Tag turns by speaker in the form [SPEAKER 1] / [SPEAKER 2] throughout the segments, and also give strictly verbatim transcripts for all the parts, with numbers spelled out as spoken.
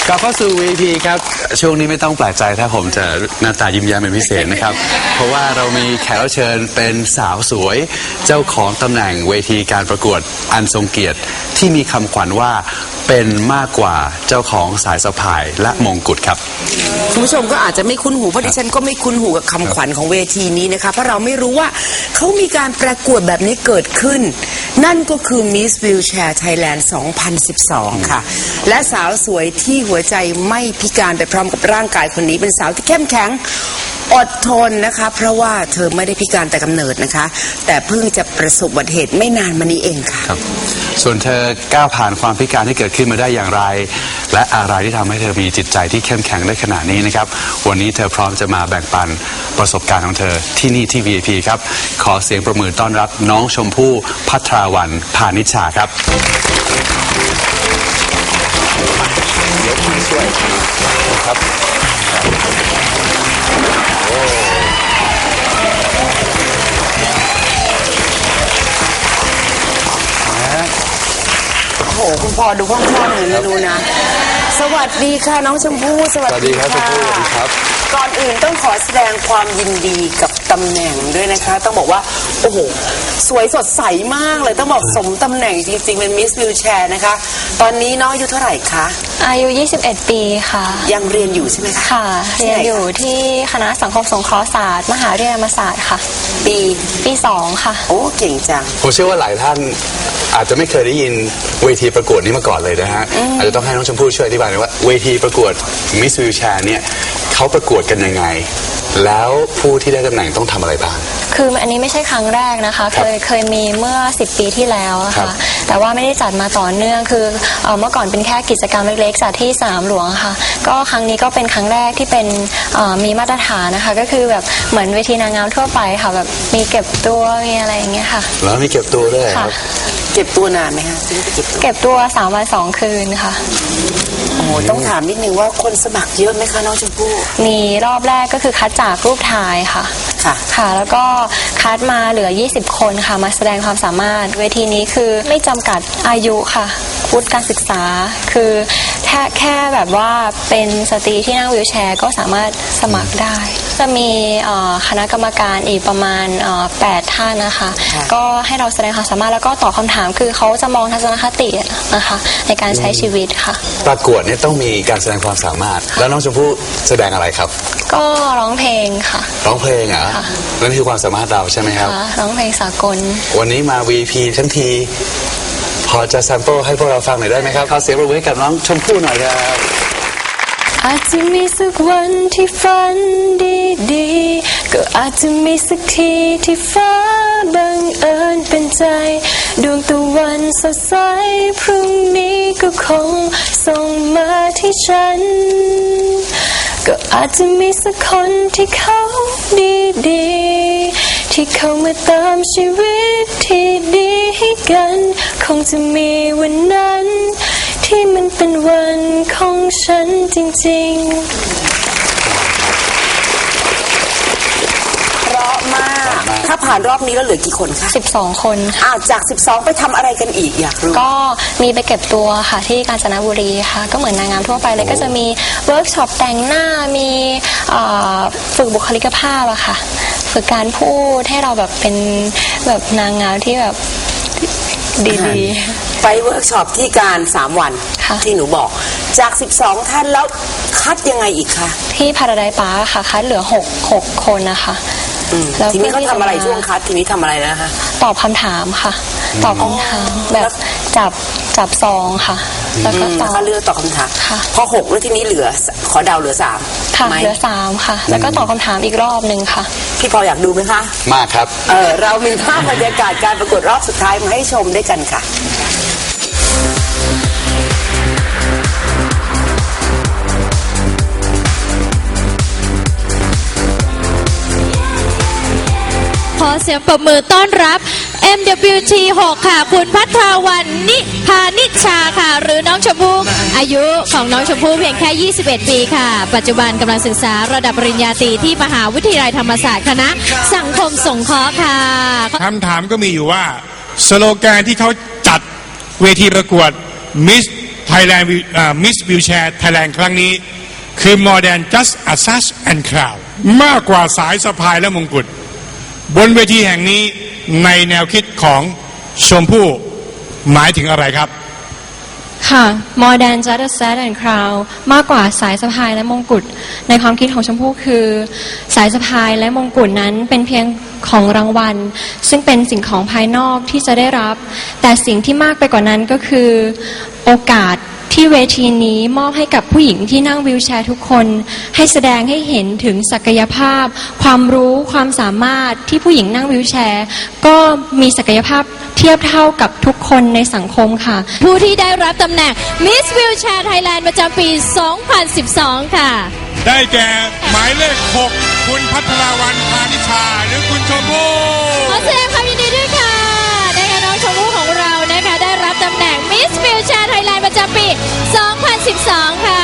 [SPEAKER 1] กลับเข้าสู่ วี พี ครับช่วงนี้ไม่ต้องแปลกใจถ้าผมจะหน้าตายิ้มแย้มเป็นพิเศษนะครับ เพราะว่าเรามีแขกรับเชิญเป็นสาวสวยเจ้าของตำแหน่งเวทีการประกวดอันทรงเกียรติที่มีคำขวัญว่าเป็นมากกว่าเจ้าของสายสะพายและมงกุฎครับ
[SPEAKER 2] คุณผู้ชมก็อาจจะไม่คุ้นหูเพราะดิฉันก็ไม่คุ้นหูกับคำขวัญของเวทีนี้นะคะเพราะเราไม่รู้ว่าเขามีการประกวดแบบนี้เกิดขึ้นนั่นก็คือ Miss Wheelchair Thailand สองพันสิบสอง ค่ะและสาวสวยที่หัวใจไม่พิการไปพร้อมกับร่างกายคนนี้เป็นสาวที่เข้มแข็งอดทนนะคะเพราะว่าเธอไม่ได้พิการแต่กำเนิดนะคะแต่เพิ่งจะประสบอุบัติเหตุไม่นานมานี้เองค่ะ
[SPEAKER 1] ครับส่วนเธอก้าวผ่านความพิการที่เกิดขึ้นมาได้อย่างไรและอะไรที่ทำให้เธอมีจิตใจที่เข้มแข็งได้ขนาดนี้นะครับวันนี้เธอพร้อมจะมาแบ่งปันประสบการณ์ของเธอที่นี่ที่ วี ไอ พี ครับขอเสียงประมือต้อนรับน้องชมพู่ภัทราวรรณพานิชชาครับเดี๋ยวพี่ช่วยครับ
[SPEAKER 2] โอ้โหคุณพ่อดูห้องพ่อหนูไม่รู้นะสวัสดีค่ะน้องชมพู่สวัสดีค่ะก่อนอื่นต้องขอแสดงความยินดีกับตำแหน่งด้วยนะคะต้องบอกว่าโอ้โหสวยสดใสมากเลยต้องบอกสมตำแหน่งจริงๆเป็น Miss Wheelchair นะคะตอนนี้น้องอายุเท่าไหร่คะ
[SPEAKER 3] อายุยี่สิบเอ็ดปีค่ะ
[SPEAKER 2] ยังเรียนอยู่ใช่ไหมคะ
[SPEAKER 3] ค่ะเรียนอยู่ที่คณะสังคมสงเคราะห์ศาสตร์มหาวิทยาลัยธรรมศาสตร์ค่ะ
[SPEAKER 2] ปี
[SPEAKER 3] ปีสองค่ะ
[SPEAKER 2] โอ้เก่งจัง
[SPEAKER 1] ผมเชื่อว่าหลายท่านอาจจะไม่เคยได้ยินเวทีประกวดนี้มาก่อนเลยนะฮะอาจจะต้องให้น้องชมพู่ช่วยอธิบายหน่อยว่าเวทีประกวด Miss Wheelchair เนี่ยเขาประกวดกันยังไงแล้วผู้ที่ได้ตำแหน่งต้องทำอะไรบ้าง
[SPEAKER 3] คืออันนี้ไม่ใช่ครั้งแรกนะคะเคยเคยมีเมื่อสิบปีที่แล้วค่ะแต่ว่าไม่ได้จัดมาต่อเนื่องคือเอ่อเมื่อก่อนเป็นแค่กิจกรรมเล็กๆจัดที่สนามหลวงค่ะก็ครั้งนี้ก็เป็นครั้งแรกที่เป็นเอ่อมีมาตรฐานนะคะก็คือแบบเหมือนเวทีนางงามทั่วไปค่ะแบบมีเก็บตัวมีอะไรอย่างเงี้ยค่ะ
[SPEAKER 1] แล้วมีเก็บตัวด้วยครับ
[SPEAKER 2] เก็บตัวนานไหมคะ
[SPEAKER 3] เก็บตัวสามวันสองคืนค่ะ
[SPEAKER 2] โอ้ต้องถามนิดนึงว่าคนสมัครเยอะไหมคะน้องชมพู่
[SPEAKER 3] มีรอบแรกก็คือคัดจากรูปถ่ายค่ะ
[SPEAKER 2] ค่ะ
[SPEAKER 3] ค่ะแล้วก็คัดมาเหลือยี่สิบคนค่ะมาแสดงความสามารถเวทีนี้คือไม่จำกัดอายุค่ะวุฒิการศึกษาคือแค่แค่แบบว่าเป็นสตรีที่นั่งวีลแชร์ก็สามารถสมัครได้จะมีคณะกรรมการอีกประมาณแปดท่านนะคะก็ให้เราแสดงความสามารถแล้วก็ตอบคำถามคือเขาจะมองทัศนคตินะคะในการใช้ชีวิตค่ะ
[SPEAKER 1] ประกวดเนี่ยต้องมีการแสดงความสามารถแล้วน้องชมพู่แสดงอะไรครับ
[SPEAKER 3] ก็ร้องเพลงค่ะ
[SPEAKER 1] ร้องเพลงเหรอนั่นคือความสามารถเราใช่ไหมครับ
[SPEAKER 3] ร้องเพลงสากล
[SPEAKER 1] วันนี้มา วี พี ทั้งทีพอจะแซมเปิลให้พวกเราฟังหน่อยได้ไหมครับขอเสียงปรบมือให้กับน้องชมพู่หน่อยครับ
[SPEAKER 3] อาจจะมีสักวันที่ฝันดีๆก็อาจจะมีสักทีที่ฟ้าบังเอิญเป็นใจดวงตะวันสดใสพรุ่งนี้ก็คงส่งมาที่ฉันก็อาจจะมีสักคนที่เขาดีๆที่เขามาตามชีวิตที่ดีให้กันคงจะมีวันนั้นที่มันเป็นวันของฉันจริงๆ
[SPEAKER 2] เพราะมากถ้าผ่านรอบนี้แล้วเหลือกี่คนคะ
[SPEAKER 3] สิบสองคน
[SPEAKER 2] อ้าวจากสิบสองไปทำอะไรกันอีกอยากรู้
[SPEAKER 3] ก็มีไปเก็บตัวค่ะที่กาญจนบุรีค่ะก็เหมือนนางงามทั่วไปเลยก็จะมีเวิร์กช็อปแต่งหน้ามีฝึกบุคลิกภาพอะค่ะฝึกการพูดให้เราแบบเป็นแบบนางงามที่แบบดี
[SPEAKER 2] ๆไปเวิร์กช็อปที่การสามวันที่หนูบอกจากสิบสองท่านแล้วคัดยังไงอีกคะ
[SPEAKER 3] ที่พาราไดซ์ปาร์คค่ะคัดเหลือหก หกคนนะคะ
[SPEAKER 2] ทีนี้เขาทำอะไรช่วงคัดทีนี้ทำอะไรนะคะ
[SPEAKER 3] ตอบคำถามค่ะตอบคำถามแบบจับจับซองค่ะ
[SPEAKER 2] แล้วก็ตอบเลือกตอบคำถามพอหกแล้วทีนี้เหลือขอเดาเหลือสาม
[SPEAKER 3] ค่ะเหลือสามค่ะแล้วก็ตอบคำถามอีกรอบหนึ่งค่ะ
[SPEAKER 2] พี่พออยากดูไหมคะ
[SPEAKER 1] มากครับ
[SPEAKER 2] เออเรามีภาพบรรยากาศการประกวดรอบสุดท้ายมาให้ชมด้วยกันค่ะ
[SPEAKER 4] ขอเสียงปรบมือต้อนรับ เอ็ม ดับเบิลยู ที หก ค่ะคุณภัทรวรรณนิพานิชชาค่ะหรือน้องชมพู่อายุของน้องชมพู่เพียงแค่ยี่สิบเอ็ดปีค่ะปัจจุบันกำลังศึกษาระดับปริญญาตรีที่มหาวิทยาลัยธรรมศาสตร์คณะสังคมสงเคราะห์ค่ะ
[SPEAKER 5] คำถามก็มีอยู่ว่าสโลแกนที่เขาจัดเวทีประกวด Miss Thailand Miss Wheelchair Thailand ครั้งนี้คือ more than just a sash and crown มากกว่าสายสะพายและมงกุฎบนเวทีแห่งนี้ในแนวคิดของชมพู่หมายถึงอะไรครับ
[SPEAKER 3] ค่ะ more than just a sash and crown มากกว่าสายสะพายและมงกุฎในความคิดของชมพู่คือสายสะพายและมงกุฎนั้นเป็นเพียงของรางวัลซึ่งเป็นสิ่งของภายนอกที่จะได้รับแต่สิ่งที่มากไปกว่านั้นก็คือโอกาสที่เวทีนี้มอบให้กับผู้หญิงที่นั่งวีลแชร์ทุกคนให้แสดงให้เห็นถึงศักยภาพความรู้ความสามารถที่ผู้หญิงนั่งวีลแชร์ก็มีศักยภาพเทียบเท่ากับทุกคนในสังคมค่ะ
[SPEAKER 4] ผู้ที่ได้รับตำแหน่ง Miss Wheelchair Thailand ประจำปี สองพันสิบสอง ค่ะ
[SPEAKER 5] ได้แก่หมายเลขหกคุณพัทราวันพานิชาหรือคุณชมพู่
[SPEAKER 4] ขอแสดงความยินดีด้วยค่ะนะคะน้องชมพู่ของเรานะคะได้รับตำแหน่ง Miss Wheelchair Thailand ประจำปี สองพันสิบสอง ค่ะ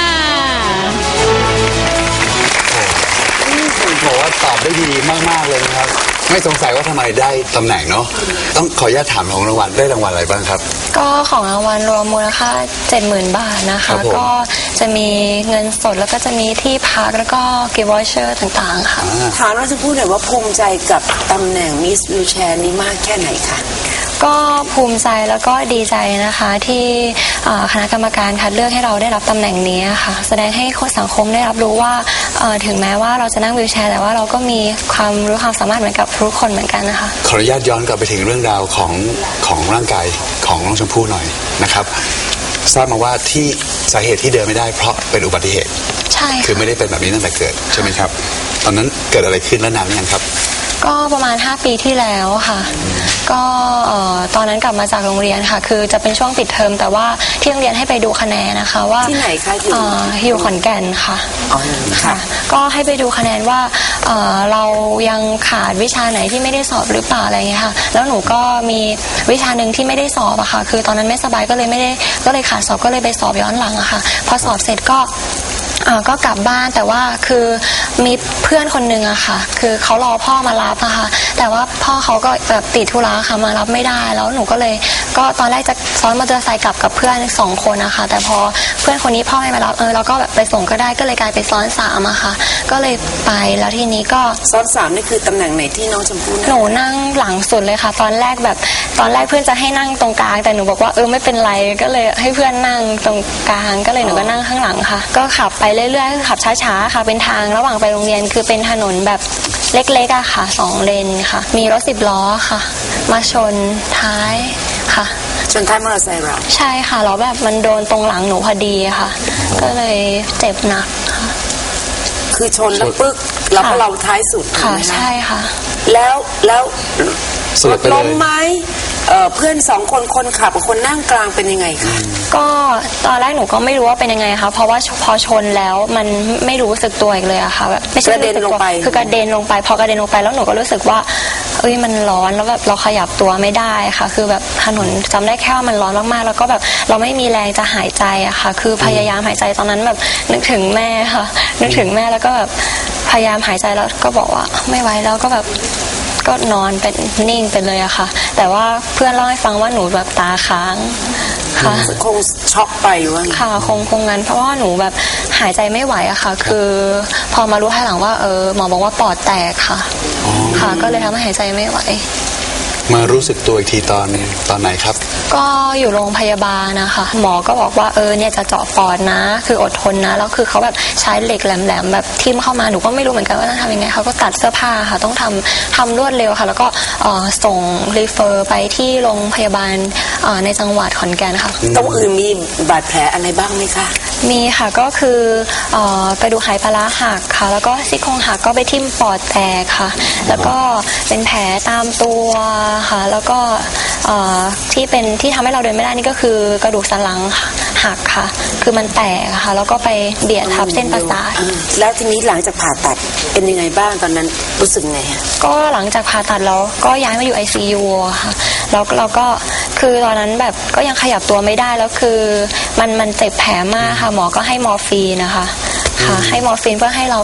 [SPEAKER 1] ผมบอกว่าตอบได้ดีมากๆเลยนะครับไม่สงสัยว่าทำไมได้ตำแหน่งเนาะต้องขออนุญาตถามของรางวัลได้รางวัลอะไรบ้างครับ
[SPEAKER 3] ก็ของรางวัลรวมมูลค่า เจ็ดหมื่น บาทนะคะก็จะมีเงินสดแล้วก็จะมีที่พักแล้วก็กิฟต์วอเชอร์ต่างๆค่ะ
[SPEAKER 2] ถามว่าจะพูดหน่อยว่าภูมิใจกับตำแหน่ง Miss Wheelchair นี้มากแค่ไหนคะ
[SPEAKER 3] ก็ภูมิใจแล้วก็ดีใจนะคะที่คณะกรรมการคัดเลือกให้เราได้รับตำแหน่งนี้ค่ะแสดงให้คนสังคมได้รับรู้ว่าถึงแม้ว่าเราจะนั่งวีลแชร์แต่ว่าเราก็มีความรู้ความสามารถเหมือนกับทุกคนเหมือนกันนะคะ
[SPEAKER 1] ขออนุญาตย้อนกลับไปถึงเรื่องราวของของร่างกายของน้องชมพู่หน่อยนะครับทราบมาว่าที่สาเหตุที่เดินไม่ได้เพราะเป็นอุบัติเหตุ
[SPEAKER 3] ใช่
[SPEAKER 1] คือไม่ได้เป็นแบบนี้ตั้งแต่เกิดใช่ไหมครับตอนนั้นเกิดอะไรขึ้นและนานหรือยังครับ
[SPEAKER 3] ก็ประมาณห้าปีที่แล้วค่ะก็ตอนนั้นกลับมาจากโรงเรียนค่ะคือจะเป็นช่วงปิดเทอมแต่ว่าที่โรงเรียนให้ไปดูคะแนนนะคะว่า
[SPEAKER 2] ที่ไหนคะ
[SPEAKER 3] อยู่อยู่ขอนแก่นค่ะ
[SPEAKER 2] ค่ะ
[SPEAKER 3] ก็ให้ไปดูคะแนนว่าเรายังขาดวิชาไหนที่ไม่ได้สอบหรือเปล่าอะไรเงี้ยค่ะแล้วหนูก็มีวิชาหนึ่งที่ไม่ได้สอบอะค่ะคือตอนนั้นไม่สบายก็เลยไม่ได้ก็เลยขาดสอบก็เลยไปสอบย้อนหลังอะค่ะพอสอบเสร็จก็ก็กลับบ้านแต่ว่าคือมีเพื่อนคนนึงอะค่ะคือเขารอพ่อมารับอะค่ะแต่ว่าพ่อเขาก็แบบติดธุระค่ะมารับไม่ได้แล้วหนูก็เลยก็ตอนแรกจะซ้อนมอเตอร์ไซค์กลับกับเพื่อนสองคนนะคะแต่พอเพื่อนคนนี้พ่อไม่มารับเออเราก็แบบไปส่งก็ได้ก็เลยกลายไปซ้อนสามอะค่ะก็เลยไปแล้วทีนี้ก็
[SPEAKER 2] ซ้อนสามนี่คือตำแหน่งไหนที่น้องชมพู่
[SPEAKER 3] หนูนั่งหลังสุดเลยค่ะตอนแรกแบบตอนแรกเพื่อนจะให้นั่งตรงกลางแต่หนูบอกว่าเออไม่เป็นไรก็เลยให้เพื่อนนั่งตรงกลางก็เลยหนูก็นั่งข้างหลังค่ะก็ขับไปเรื่อยๆขับช้าๆค่ะเป็นทางระหว่างไปโรงเรียนคือเป็นถนนแบบเล็กๆอะค่ะสองเลนค่ะมีรถสิบล้อค่ะมาชนท้ายค่ะ
[SPEAKER 2] ชนท้ายมอเตอร์ไซค์เรา
[SPEAKER 3] ใช่ค่ะแล้วแบบมันโดนตรงหลังหนูพอดีค่ะก็เลยเจ็บหนักค่ะ
[SPEAKER 2] คือชนแล้วปึ๊กแล้วก็เราท้ายสุด
[SPEAKER 3] ค่ะใช่ค่ะ
[SPEAKER 2] แล้วแล้วรถล้มไหมเพื่อนสองคนคนขับกับคนนั่งกลางเป็นยังไงคะ
[SPEAKER 3] ก็ตอนแรกหนูก็ไม่รู้ว่าเป็นยังไงคะเพราะว่าพอชนแล้วมันไม่รู้สึกตัวอีกเลยอะค่ะแบบ
[SPEAKER 2] ไม่ใช่กระเด็นลงไป
[SPEAKER 3] คือกระเด็นลงไปพอกระเด็นลงไปแล้วหนูก็รู้สึกว่าเอ้ยมันร้อนแล้วแบบเราขยับตัวไม่ได้ค่ะคือแบบถนนจำได้แค่ว่ามันร้อนมากๆแล้วก็แบบเราไม่มีแรงจะหายใจอะค่ะคือพยายามหายใจตอนนั้นแบบนึกถึงแม่ค่ะนึกถึงแม่แล้วก็แบบพยายามหายใจแล้วก็บอกว่าไม่ไหวแล้วก็แบบก็นอนเป็นนิ่งไปเลยอะค่ะแต่ว่าเพื่อนเล่าให้ฟังว่าหนูแบบตาค้างค่ะ
[SPEAKER 2] คงช็อกไปว่า
[SPEAKER 3] ค่ะคงคงงั้นเพราะว่าหนูแบบหายใจไม่ไหวอะค่ะคือพอมารู้ภายหลังว่าเออหมอบอกว่าปอดแตกค่ะค่ะก็เลยทำให้หายใจไม่ไหว
[SPEAKER 1] มารู้สึกตัวอีกทีตอนตอนไหนครับ
[SPEAKER 3] ก็อยู่โรงพยาบาลนะคะหมอก็บอกว่าเออเนี่ยจะเจาะปอดนะคืออดทนนะแล้วคือเขาแบบใช้เหล็กแหลมๆแบบทิ่มเข้ามาหนูก็ไม่รู้เหมือนกันว่าต้องทำยังไงเขาก็ตัดเสื้อผ้าค่ะต้องทำทำรวดเร็วค่ะแล้วก็ส่งรีเฟอร์ไปที่โรงพยาบาลในจังหวัดขอนแก่นค่ะ
[SPEAKER 2] ตรงอื่นมีบาดแผลอะไรบ้างไหมคะ
[SPEAKER 3] มีค่ะก็คือกระดูกไหปลาร้าหักค่ะแล้วก็ซี่โครงหักก็ไปทิ่มปอดแตกค่ะแล้วก็เป็นแผลตามตัวค่ะแล้วก็ที่เป็นที่ทำให้เราเดินไม่ได้นี่ก็คือกระดูกสันหลังหักค่ะคือมันแตกค่ะแล้วก็ไปเบียดทับเส้นประสาท
[SPEAKER 2] แล้วทีนี้หลังจากผ่าตัดเป็นยังไงบ้างตอนนั้นรู้สึกไง
[SPEAKER 3] ก็หลังจากผ่าตัดแล้วก็ย้ายมาอยู่ ไอ ซี ยู ค่ะแล้วเราก็คือตอนนั้นแบบก็ยังขยับตัวไม่ได้แล้วคือมันมันเจ็บแผลมากค่ะหมอก็ให้มอร์ฟีนนะคะค่ะให้มอร์ฟีนเพื่อให้เราแบบ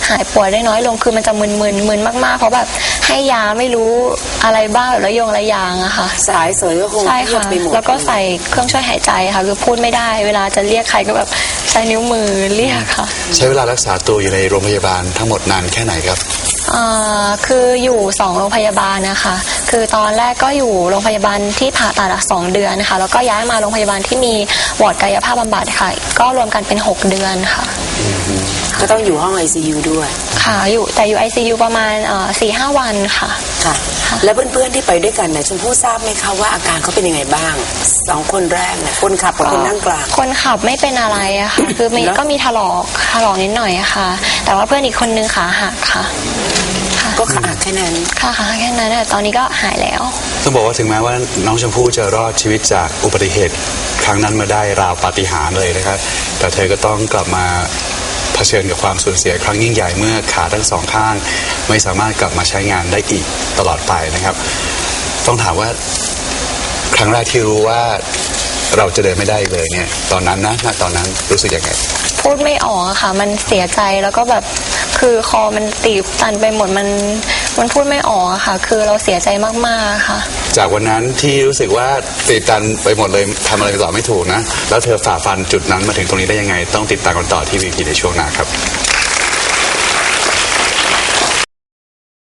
[SPEAKER 3] หายป่วยได้น้อยลงคือมันจะมึนๆมึนมากๆเพราะแบบให้ยาไม่รู้อะไรบ้างแบบระยงระยางอะค่ะ
[SPEAKER 2] สายเสยก็คง
[SPEAKER 3] ใช่
[SPEAKER 2] เงีย
[SPEAKER 3] ค่ะ
[SPEAKER 2] บไปหมด
[SPEAKER 3] แล้วก็ใส่เครื่องช่วยหายใจค่ะคือพูดไม่ได้เวลาจะเรียกใครก็แบบใช้นิ้วมือเรียกค่ะ
[SPEAKER 1] ใช้เวลารักษาตัวอยู่ในโรงพยาบาลทั้งหมดนานแค่ไหนครับ
[SPEAKER 3] อ่าคืออยู่สองโรงพยาบาลนะคะคือตอนแรกก็อยู่โรงพยาบาลที่ผ่าตัดอะสองเดือนค่ะแล้วก็ย้ายมาโรงพยาบาลที่มีวอร์ดกายภาพบำบัดค่ะก็รวมกันเป็นหกเดือนค่ะ
[SPEAKER 2] ก็ต้องอยู่ห้อง ไอ ซี ยู ด้วย
[SPEAKER 3] ค่ะอยู่แต่อยู่ ไอ ซี ยู ประมาณสี่ห้าวันค่ะ
[SPEAKER 2] ค่ะ แล้วเพื่อนๆที่ไปด้วยกันเนี่ยชมพู่ทราบไหมคะว่าอาการเขาเป็นยังไงบ้างสองคนแรกเนี่ยคนขับกับคนนั่งกลาง
[SPEAKER 3] คนขับไม่เป็นอะไรอะค่ะ คือมี
[SPEAKER 2] แล้ว
[SPEAKER 3] ก็มีถลอกถลอกนิดหน่อยอะค่ะ แต่ว่าเพื่อนอีกคนนึงขาหักค่ะค่ะ
[SPEAKER 2] ก็ขาแค่นั้น
[SPEAKER 3] ค่ะขาแค่นั้นแต่ตอนนี้ก็หายแล้ว
[SPEAKER 1] ต้องบอกว่าถึงแม้ว่าน้องชมพู่จะรอดชีวิตจากอุบัติเหตุครั้งนั้นมาได้ราวปาฏิหาริย์เลยนะครับแต่เธอก็ต้องกลับมาเผชิญกับความสูญเสียครั้งยิ่งใหญ่เมื่อขาทั้งสองข้างไม่สามารถกลับมาใช้งานได้อีกตลอดไปนะครับ ต้องถามว่าครั้งแรกที่รู้ว่าเราจะเดินไม่ได้อีกเลยเนี่ยตอนนั้นนะณตอนนั้นรู้สึกยังไง
[SPEAKER 3] พูดไม่ออกอะค่ะ มันเสียใจแล้วก็แบบคือคอมันตีบตันไปหมดมันมันพูดไม่ออกอะค่ะ คือเราเสียใจมากๆค่ะ
[SPEAKER 1] จากวันนั้นที่รู้สึกว่าตีบตันไปหมดเลยทำอะไรต่อไม่ถูกนะแล้วเธอฝ่าฟันจุดนั้นมาถึงตรงนี้ได้ยังไง ต้องติดตามกันต่อที่วีพีในช่วงหน้าครับ